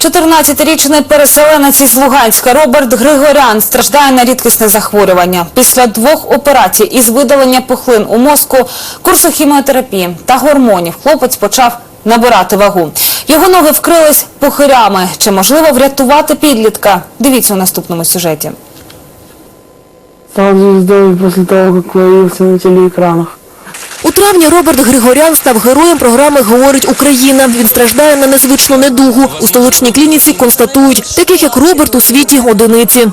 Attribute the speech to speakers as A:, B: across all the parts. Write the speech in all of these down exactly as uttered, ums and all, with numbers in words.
A: чотирнадцятирічний переселенець із Луганська Роберт Григорян страждає на рідкісне захворювання. Після двох операцій із видалення пухлин у мозку, курсу хіміотерапії та гормонів хлопець почав набирати вагу. Його ноги вкрились пухирями. Чи можливо врятувати підлітка? Дивіться у наступному сюжеті.
B: Стал звездой после того, как появился на телеэкранах.
C: У травні Роберт Григорян став героєм програми «Говорить Україна». Він страждає на незвичну недугу. У столичній клініці констатують, таких як Роберт у світі одиниці.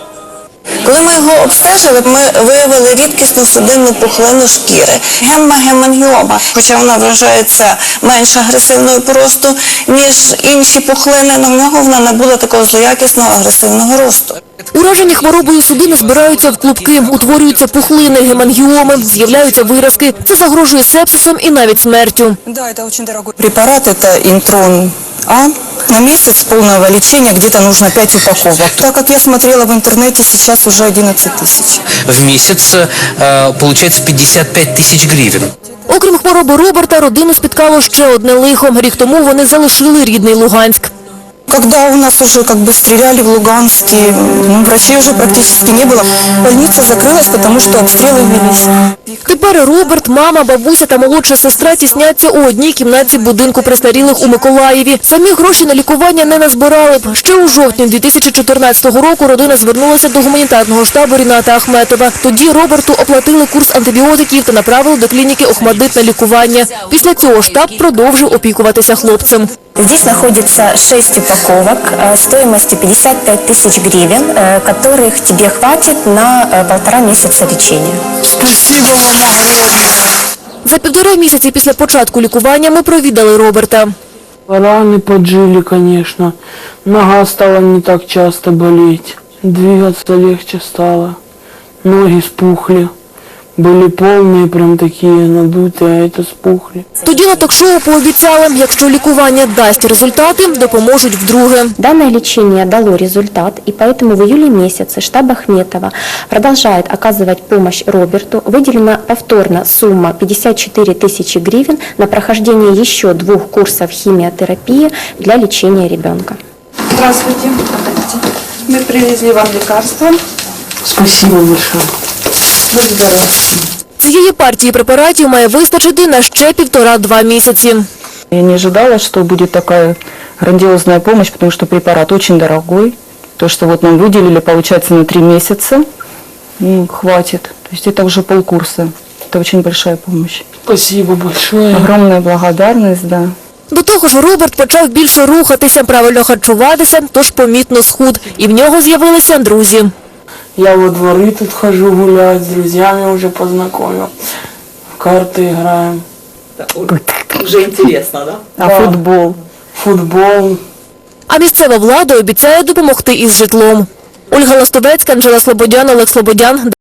D: Коли ми його обстежили, ми виявили рідкісну судинну пухлину шкіри – гемма-гемангіома. Хоча вона вважається менш агресивною по росту, ніж інші пухлини, але в нього вона не була такого злоякісного агресивного росту.
C: Уражені хворобою судини збираються в клубки, утворюються пухлини, гемангіоми, з'являються виразки. Це загрожує сепсисом і навіть смертю.
D: Препарат – это интрон А. На месяц полного лечения где-то нужно пять упаковок. Так как я смотрела в интернете, сейчас уже одиннадцать тысяч.
E: В месяц э, получается пятьдесят пять тысяч гривен.
C: Окрім хвороби Роберта, родину спіткало ще одне лихо. Рік тому вони залишили рідний Луганськ.
D: Когда у нас уже как бы стреляли в Луганске, ну, врачей уже практически не было. Больница закрылась, потому что обстрелы велись.
C: Тепер Роберт, мама, бабуся та молодша сестра тісняться у одній кімнаті будинку престарілих у Миколаєві. Самі гроші на лікування не назбирали б. Ще у жовтні дві тисячі чотирнадцятого року родина звернулася до гуманітарного штабу Ріната Ахметова. Тоді Роберту оплатили курс антибіотиків та направили до клініки «Охмадит» на лікування. Після цього штаб продовжив опікуватися хлопцем.
F: Здесь находится шесть упаковок стоимостью пятьдесят пять тысяч гривен, которых тебе хватит на полтора месяца лечения.
B: Спасибо вам огромное.
C: За півтора місяці після початку лікування ми провідали Роберта.
B: Раны поджили, конечно. Нога стала не так часто болеть. Двигаться легче стало. Ноги спухли. Были полные, прям такие надутые, а это спухли.
C: Тоді на ток-шоу пообіцяли, якщо лікування дасть результати, допоможуть вдруге.
F: Данное лечение дало результат, и поэтому в июле месяце штаб Ахметова продолжает оказывать помощь Роберту. Выделена повторно сумма пятьдесят четыре тысячи гривен на прохождение еще двух курсов химиотерапии для лечения ребенка.
G: Здравствуйте. Мы привезли вам лекарства.
B: Спасибо большое.
G: Будь здоровы.
C: Цієї партії препаратів має вистачити на ще півтора-два місяці.
H: Я не ожидала, что будет такая грандиозная помощь, потому что препарат очень дорогой. То, что вот нам выделили, получается, на три месяца, ну, хватит. То есть это уже полкурса. Это очень большая помощь.
B: Спасибо большое.
H: Огромная благодарность, да.
C: До того ж, Роберт почав більше рухатися, правильно харчуватися, тож помітно схуд. І в нього з'явилися друзі.
B: Я во дворы тут хожу гулять, с друзьями уже познакомил. В карты играем.
G: Уже интересно, да?
H: А
B: Да.
H: футбол?
B: Футбол.
C: А місцева влада обіцяє допомогти із житлом. Ольга Ластовецька, Анжела Слободян, Олег Слободян.